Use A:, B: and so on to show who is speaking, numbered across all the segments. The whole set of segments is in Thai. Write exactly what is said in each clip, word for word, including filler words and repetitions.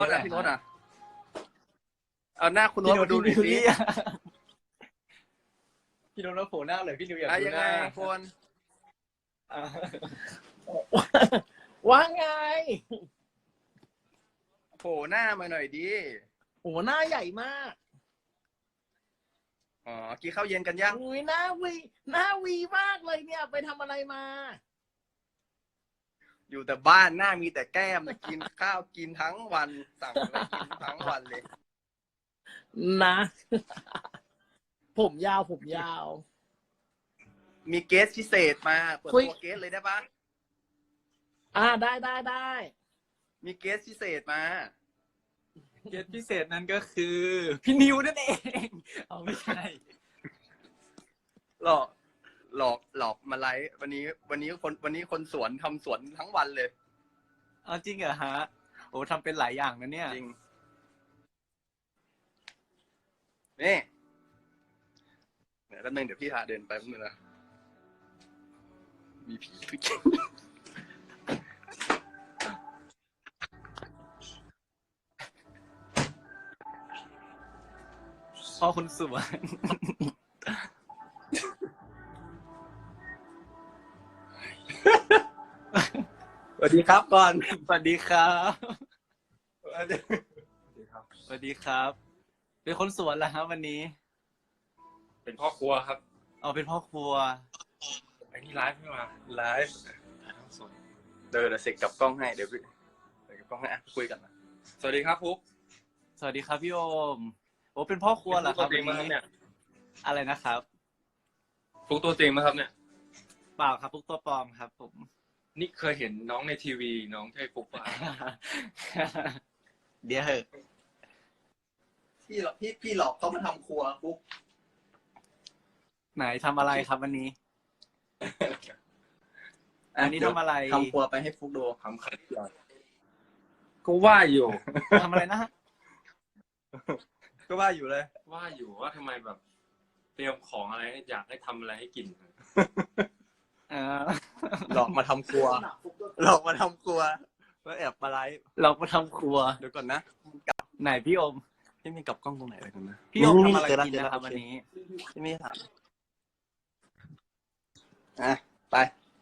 A: โน้ตอ่ะพี่โน้ตอ่ะเอาหน้าคุณโน้ตมาดูหน่อยสิ
B: พี่โน้ตโผล่หน้าเลยพี่นิวอยาก
A: อะ
B: ดู
A: ยัง
B: ห
A: ไง
B: น้า
A: คน
B: อ่ะว่าไง
A: โผล่หน้ามาหน่อยดิ
B: โอ้หน้าใหญ่มาก
A: อ๋อกินข้าวเย็นกันยัง
B: อุ้ยหน้าวีหน้าวีมากเลยเนี่ยไปทำอะไรมา
A: อยู่แต่บ้านหน้ามีแต่แก้มกินข้าวกินทั้งวันสั่งอะไรกินทั้งวันเลย
B: นะ ผมยาวผมยาว
A: มีเกสพิเศษมาเปิด
B: คุย
A: ตัวเกสเลยได้ปะ
B: อ่าได้ได้ได้
A: มีเกสพิเศษมา
C: เกสพิเศษนั้นก็คือพี่นิวนั่นเองเอาไม่ใช่
A: หลอกหลอกหลอกมาไลฟ์วันนี้ วันนี้คนวันนี้คนสวนทำสวนทั้งวันเลย
C: เอาจริงเหรอฮะโอ้ทำเป็นหลายอย่างนะเนี่ย
A: จริงนี่เดี๋ยวแป๊บนึงเดี๋ยวพี่พาเดินไปแป๊บนึงนะมีผีทุกอย่าง
C: พ่อคุณสวน
A: สวัสดีครับก่อน
C: สวัสดีครับ
A: สวัสดีครับ
C: สวัสดีครับ เป็นคนสวนเหรอฮะวันนี้
D: เป็นพ่อครัวครับ
C: เอาเป็นพ่อครัว
D: ไอ้นี่ไลฟ์ไม่มา
A: ไลฟ์
D: ถ่ายทอดสด
A: เดินเสร็จกับกล้องให้เดี๋ยวพี่เสร็จกับกล้องให้อ่ะคุยกันนะ
D: สวัสดีครับพุก
C: สวัสดีครับพี่โอมโอ้เป็นพ่อครัวเหรอครับ
D: ตัวจริ
C: วั
D: ง
C: น
D: มาครับ
C: นี้
D: เนี่ย
C: อะไรนะครับ
D: พุกตัวจริงมาครับเนี่ย
C: เปล่าครับพวกตัวปลอมครับ ผม
D: นี่เคยเห็นน้องในทีวีน้องใช่พุกป่ะ
C: เดี๋ยวเหอะ
A: พี่หลอกพี่พี่หลอกเขามาทำครัวปุ๊บ
C: ไหนทำอะไรครับวันนี้ อันนี้ทำอะไร
A: ทำครัวไปให้ฟุกดู
D: ทำไข่ดาวก็ว่าอยู่
C: ทำอะไรนะฮะ
A: ก็ว่าอยู่เลย
D: ว่าอยู่ว่าทำไมแบบ เตรียมของอะไรให้อยากให้ทำอะไรให้กิน
C: เออ
A: หลอกมาทำครัว หลอกมาทำครัวแล้วแอบมาไลฟ์
C: เรามาทำครัว
A: เดี๋ยวก่อนนะ
C: ไหนพี่โอม
A: พี่มีกลับกล้องตรงไหนเลยกันนะ
C: พี่โอมทำอะไร
A: เจแล้ว
C: กิน
A: เจแล้ว
C: นะครับ
A: โอ
C: วัน
A: เค
C: นี้
A: พี่มีถามอ่ะไป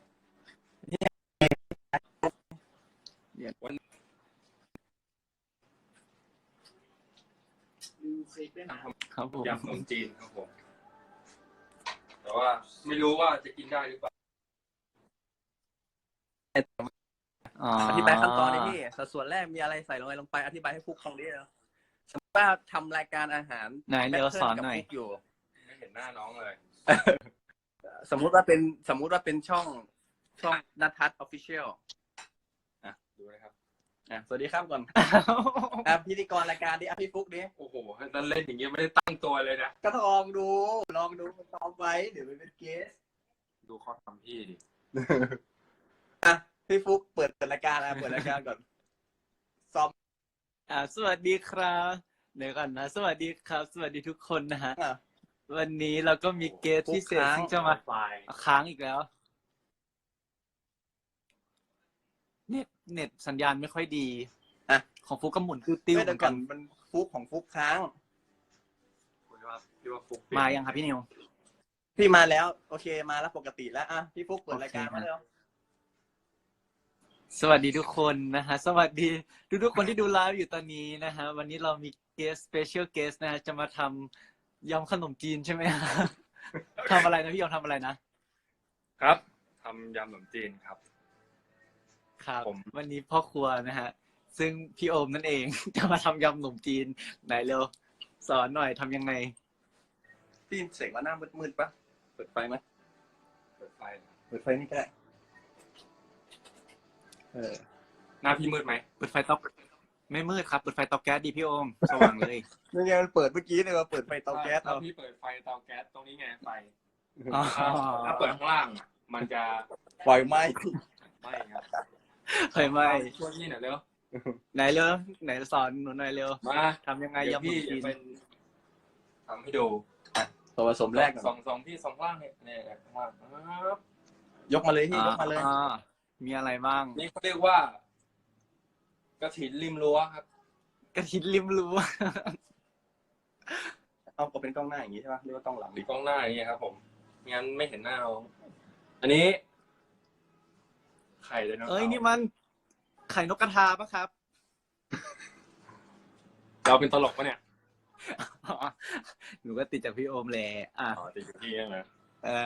C: ครับผม
D: ยำขนมจีนครับผม แต่ว่าไม่รู้ว่าจะกินได้หรือเปล่า
A: อธิบายขั้นตอนนี้พี่สัดส่วนแรกมีอะไรใส่ลงไปลงไปอธิบายให้ฟุกฟังดิแล้วสมมติว่าทำรายการอาหาร
C: ไหนเดี๋ยวสอนหน่อย
A: กับฟุกอยู่
D: ไม่เห็นหน้าน้องเลย
A: สมมุติว่าเป็นสมมุติว่าเป็นช่องช่องนัททัศน์ออฟฟิเชียล
D: ดูนะครับ
A: อ่ะสวัสดีครับก่อนอ่ะพิธีกรรายการดิอ่ะพี่ฟุกดิ
D: โอ้โหถ้าเล่นอย่างเงี้ยไม่ได้ตั้งตัวเลยนะ
A: ก็ลองดู ลองดูตอบไว้เดี๋ยวไปเป็นเกส
D: ดูเขาทำพี่ดิ
A: อ่ะพี่ฟุกเปิดรายการอ่ะเปิดรายการก่อนซ้อม
C: อ่าสวัสดีครับเดี๋ยวก่อนนะ สวัสดีครับ สวัสดีทุกคนนะฮะ
A: อ่ะ
C: วันนี้เราก็มีเกสพิเศษ
A: ค้าง
C: ซึ่งจะมา
D: ไฟล์
C: ค้างอีกแล้ว เน็ตเน็ตสัญญาณไม่ค่อยดี
A: อ่ะ
C: ของฟุกก็หมุนติ้วๆ
A: ไม่
C: เหมื
A: เดี๋ย
C: อ
A: วน ก่
C: กั
A: อน นมันฟุกของฟุกค้าง
D: พี่ว่าพี่ว่าฟุก
C: มายังครับพี่นิว
A: พี่มาแล้ว โอเคมาแล้วปกติแล้วอ่ะพี่ฟุกเปิดรายการ
C: โอเค
A: มาแล้ว
C: สวัสดีทุกคนนะฮะ สวัสดีทุกทุกๆคนที่ดูไลฟ์อยู่ตอนนี้นะฮะ วันนี้เรามีเกสสเปเชียลเกสนะฮะ จะมาทำยำขนมจีนใช่ไหมฮะ ทำอะไรนะพี่ยอมทำอะไรนะ
D: ครับทำยำขนมจีนครับ
C: ครับ
D: ผม
C: วันนี้พ่อครัวนะฮะ ซึ่งพี่โอมนั่นเอง จะมาทำยำขนมจีนไหนเร็ว สอนหน่อยทำยังไง
A: พี่เสกว่าหน้ามืดๆปะเปิดไฟไหม
D: เปิดไฟนะ
A: เปิดไฟนี่ก็ได้เออ
D: หน้าพี่มืดไหม
C: เปิดไฟเตาไม่มืดครับเปิดไฟเตาแก๊สดีพี่โอมสว่างเลย
A: นี่ไงมันเปิดเมื่อกี้เลยว่าเปิดไฟเตาแก๊ส
D: ถ้า
A: เอา
D: พี่เปิดไฟเตาแก๊สตรงนี้ไงไฟ
C: อ๋อ
D: ถ้าเปิดข้างล่างอ่ะมันจะ
A: ปล่อยไหม
D: ไม่ครับ
C: เคยไหม
D: ช่วยพี่หน่อยเร็ว
C: ไหนเร็วไหนสอนหนูหน่อยเร็ว
D: มา
C: ทำยังไง
D: เดี๋ยวย
C: ำขน
D: พี่
C: มจี
D: จะ
C: น
D: เป็นทำให้ดู
A: ส่วนผสมแรก
D: ส
A: ก่
D: อ
A: อน
D: งสองพี่สองล่างเนี่ยเนี่ยข้างล่างครับ
A: ยกมาเลยพี่ยกมาเลย
C: อ่ามีอะไรบ้าง
D: นี่เขาเรียกว่ากระถินริมรั้วครับ
C: ระทินริมรั้ว
A: เอาก็เป็นกล้องหน้าอย่างนี้ใช่ปะหรือว่ากล้องหลัง
D: มีกล้องหน้าอย่างเงี้ยครับผมไม่งั้นไม่เห็นหน้าเราอันนี้ไข่ไดโนเสาร์
C: เอ้ยนี่มันไข่นกกระทาปะครับ
D: เราเป็นตลกปะเนี่ย
C: หนูก็ติดจากพี่โอมแหละอ่ะ
D: อ๋อติดอยู่ที่นั่นนะ
C: เออ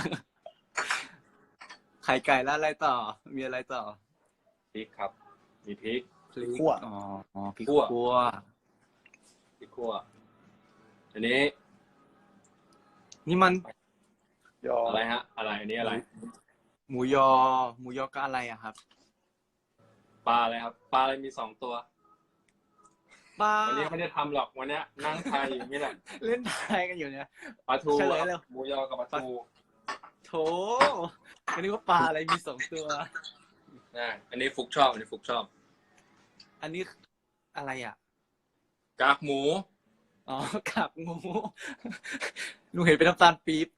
C: ไข่ไก่แล้วอะไรต่อ มีอะไรต่อ
D: พริกครับ มีพริก
C: พริก
A: คั่ว
C: อ๋ออ๋อพริก
D: คั่ว
C: คั่ว
D: พริกคั่วอันนี้
C: นี่มัน
A: ยอ
D: อะไรฮะ อะไรอันนี้อะไร
C: หมูยอ หมูยอก็อะไรอะครับ
D: ปลาอะไรครับ ปลาอะไรมีสองตัว
C: ปลา
D: วันนี้ไม่ได้ทำหรอกวันเนี้ยนั่งทายอยู่นี่แหละ
C: เล่นทายกันอยู่เนี่ย
D: ปลาทู
C: เฉลยเร็ว
D: หมูยอกับปลาทู
C: โถไม่นึกว่าปลาอะไรมีสองตัว
D: นะอันนี้ฟุกชอบอันนี้ฟุกชอบ
C: อันนี้อะไรอ่ะ
D: กากหมู
C: อ๋อ กากหมู หนูเห็นเป็นน้ำตาลปี๊บ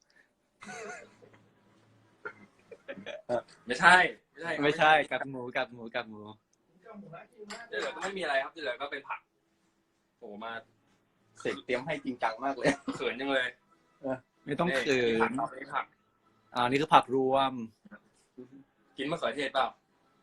D: ไม่ใช่ไม่ใช่
C: ไม่ใช่กากหมูกากหมูกากหมู
D: ที่เหลือก็ไม่มีอะไรครับที่เหลือก็เป็นผักโอ้มา
A: เสร็จเตรียมให้จริงจังมากเลย
D: เขินยังเลย
C: ไม่ต้องเขิ
D: ผัก
C: น
D: ครับนี่ผัก
C: อ่านี่คือผักรวม
D: กินมะเขือเทศเปล่า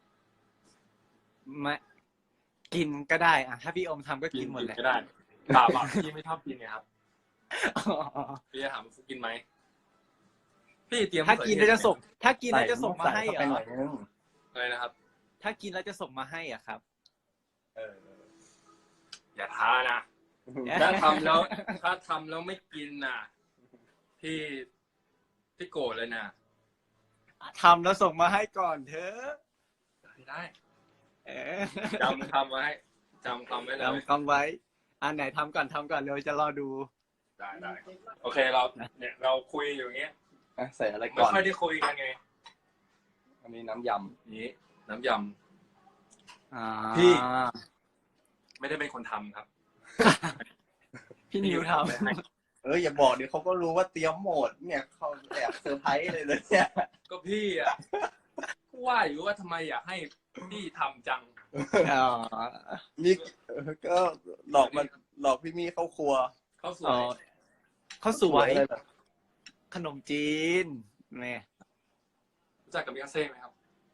C: ไม่กินก็ได้อ่ะถ้าพี่อมทำก็กินหมดแหละ
D: ก็ได้เปล่าเปล่าพี่ไม่ชอบกินไงครับ
C: อ๋อ
D: พี่จะถามฟุกกินไหมพี่เตรียม
C: ถ้ากินแล้วจะส่ง ถ้ากิน
A: ใส่
C: แล้วจะส่งมาให้
A: ใส่
C: เหร
A: เข้าไปหน่
C: อ
A: อยนึง
D: อะไรนะครับ
C: ถ้ากินแล้วจะส่งมาให้อ่ะครับ
D: เอออย่าท้านะถ้าทำแล้ว ถ้าทำแล้วไม่กินน่ะพี่พี่โกรธเลยนะ
C: ทำแล้วส่งมาให้ก่อนเถอะ
D: ไม่ได้
C: เออ
D: จำคำไว้จำคำไว้เลย
C: ทำคำไว้อันไหนทำก่อนทำก่อนเร็วจะรอดู
D: ได้ได้โอเคเราเนี่ยเราคุยอยู่อย่างเงี้ย
A: อ่ะใส่อะไร
D: ไม่
A: ก่อน
D: ค่อยได้คุยกันไง
A: อันนี้น้ำย
D: นี้น้ำย
C: อ่า
D: พี่ ำไม่ได้เป็นคนทำครับ
C: พี่นิวท
D: ไปให้
A: ำเอออย่าบอกเดี๋ยวเขาก็รู้ว่าเตรียมโหมดเนี่ยเขาแอบเซอร์ไพรส์เลยเลยเนี่ย
D: ก็พี่อ่ะว่าอยู่ว่าทำไมอยากให้พี่ทำจัง
C: ำอ๋อ
A: มีเออก็หลอกมันหลอกพี่มี่เข้าครัว
D: เขาสว
C: อ๋อย ข้าวสวย
A: อะไรแบบ
C: ขนมจีนแม่
D: รู้จักกับมิคาเซ่ไหมครับ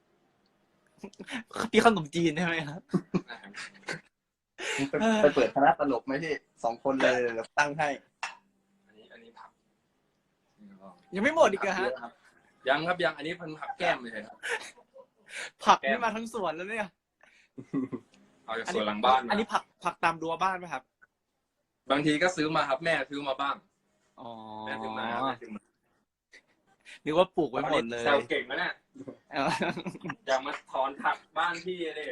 C: พี่ขนมจีนใช่ไหมครับ
A: ไปไปเปิดคณะตลกไหมพี่สองคนเลยเดี๋ยวตั้งให้
D: อันนี้อันนี้ผัก
C: ยังไม่หมดอีกเหรอฮะ
D: ยังครับยังอันนี้เป็นผักแก้มเลยครับ
C: ผักนี่มาทั้งสวนแล้วเนี่ย
D: เอาจากสวนหลังบ้าน
C: อัน
D: มา
C: นี้ผักผักตามรั้วบ้านไหมครับ
D: บางทีก็ซื้อมาครับแม่ซื้อมาบ้าง
C: อ๋อ
D: แม่ซื้อมาแม่ซื้อมา
C: นึกว่าปลูกไว้หมดเลย
D: แซวเก่งนะเนี่ย
C: เออ
D: อยากมาถอนผักบ้านพี่เลย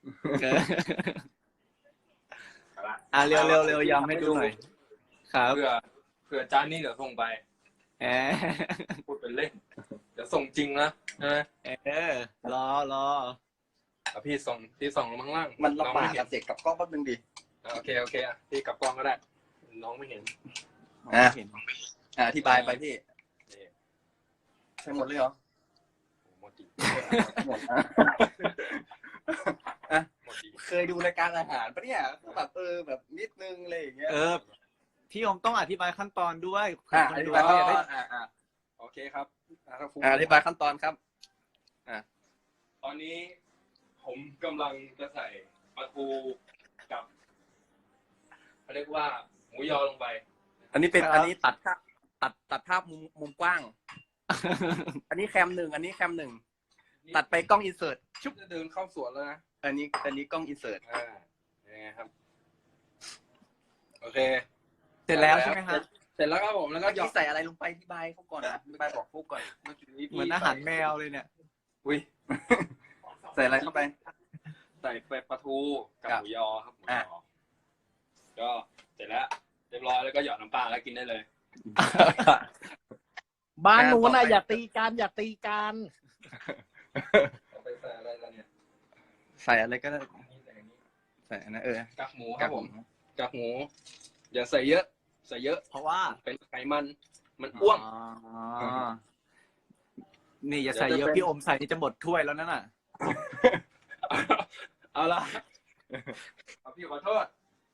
C: อ่ะเร็วเร็วเร็วยำให้ดูหน่อยครับ
D: เผื่อเผื่อจานนี้เดี๋ยวส่งไป
C: เออ
D: พูดเป็นเล่นเดี๋ยวส่งจริงนะนะ
C: เออรอรอ
D: เอาพี่ส่งพี่ส่งลงข้างล่าง
A: มันลำบาก
D: องไเห็
A: กับเด็กกับกล้องแป๊บนึงดิ
D: โอเคโอเคอ่ะพี่กลับกล้องก็ได้ น้องไม่เห็น
A: อ่ะ
C: เห็น
A: อ่ะอธิบายไปพี่
D: นี่
A: ใช่หมดเลยเหรอ
D: โอ้โหหมดดี
A: หมดอ่ะอ่ะ
D: หมดดี
A: เคยดูรายการอาหารปะเนี่ยแบบเออแบบนิดนึงอะไรอย่างเงี้ย
C: เออพี่อมต้องอธิบายขั้นตอนด้วย
A: อ่ะ
C: ค
A: อน ธิ
C: ดู
A: บาย
C: เขาอยากได้
A: อ่ะอ่ะ
D: โอเคครับอ่ะครับ
A: อ่ะอธิบายขั้นตอนครับ
D: ตอนนี้ผมกำลังจะใส่ปลาทูกับเขาเรียกว่าหมูยอลงไป
A: อันนี้เป็นอันนี้ตัดภาพตัดตัดภาพมุมมุมกว้าง อันนี้แคมหนึ่งอันนี้แคมหนึ่งตัดไปกล้องอินเสิร์ต
D: ชุบจะเดินเข้าสวนแล้วนะ
A: อันนี้อันนี้กล้องอินเสิร์ต
D: อ่ายังไงครับ โอเค
C: เสร็จแล้วใช่ไหมครับ
D: เสร็จแล้วครับผมแล้วก็
A: เมื่อ
D: หยอ
A: กี้
D: ก
A: ใส่อะไรลงไปที่บายเขาก่อนนะที่บายบอกฟุกก่อน
D: เมื่อกี้พี่
C: เหมือนอาหารแมวเลยเนี่ย
A: อุ้ย ใส่อะไรเข้าไป
D: ใส่ไปปลาทูกับ
A: ครับ
D: หมูยอครับหมูย
A: อ่ะ
D: อก็เสร็จแล้วเรียบร้อยแล้วก็หยอดน้ำปลาแล้วกินได้เลย
B: บ้านนู้น
A: ต่
B: น่ะ
A: อไป
B: อย่าตีกันอย่าตีกัน
D: ไปใส่อะไรแล้วเนี่ย
A: ใส่อะไรก็ได้
D: นี่ใส่อันนี้
A: ใส่อันนะเออ
D: กากหมูครับผมกากหมู อย่าใส่เยอะ ใส่เยอะ
C: เพราะว่า
D: เป็นไขมันมันอ้วน
C: อ๋อนี่อย่าใส่เยอะพี่อมใส่นี่จะหมดถ้วยแล้วนั่นน่ะ
D: เอาละเอาพี่ขอโทษ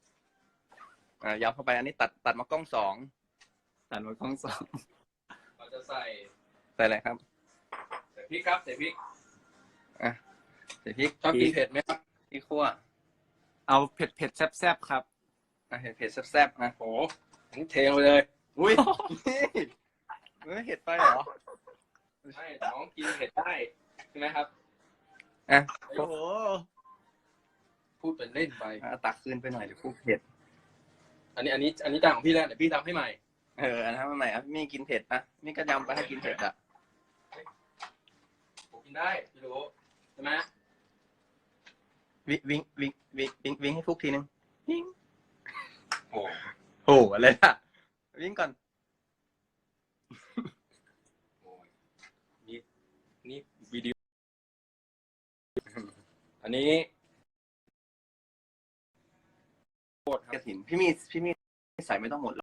A: อ่ายำเข้าไปอันนี้ตัดตัดมากล้องสอง
C: ตัดมากล้องสอง
D: เราจะใส่
A: ใส่อะไรครับ
D: ใส่พริกครับใส่พริก
A: อ่ะใส่พริก
D: ชอบกินเผ็ดไหมครับ
A: พริกขั่ว
C: เอาเผ็ดเผ็ดๆแซ่บๆครับ
A: อ่ะเผ็ดเผ็ดแซ่บๆนะ
D: โอ้โหทั้งเทลงไปเลย
A: อุ้ยนี่ไม่เผ็ดไปเหรอ
D: ใช่น้องกินเผ็ดได้ใช่ไหมครับ
A: อ่ะ
C: โอ้โห
D: พูดเป็นเล่นไป
A: อ่ะตักขึ้นไปหน่อยเดี๋ยวพวกเผ็ด
D: อันนี้อันนี้อันนี้จานของพี่แล้วเดี๋ยวพี่ทำให้ใหม่
A: เอออันนั้นมาใหม่อ่ะมีกินเผ็ดอ่ะมีก็ยำไปให้กินเผ็ดอ่ะ
D: ผมกินได้พี่รู้ใช่ไหม
A: วิวิ่งวิ่งวิ่งวิ่งวิ่งให้ฟุกทีนึงวิ่ง
D: โอ้
A: โอ้อะไรอ่ะวิ่งก่อน
D: โหนี่นี่วิดีโออันนี้โคตรค
A: ก
D: รั
A: ระ
D: บ
A: ถินพี่มีพี่มีใส่ไม่ต้องหมดหรอก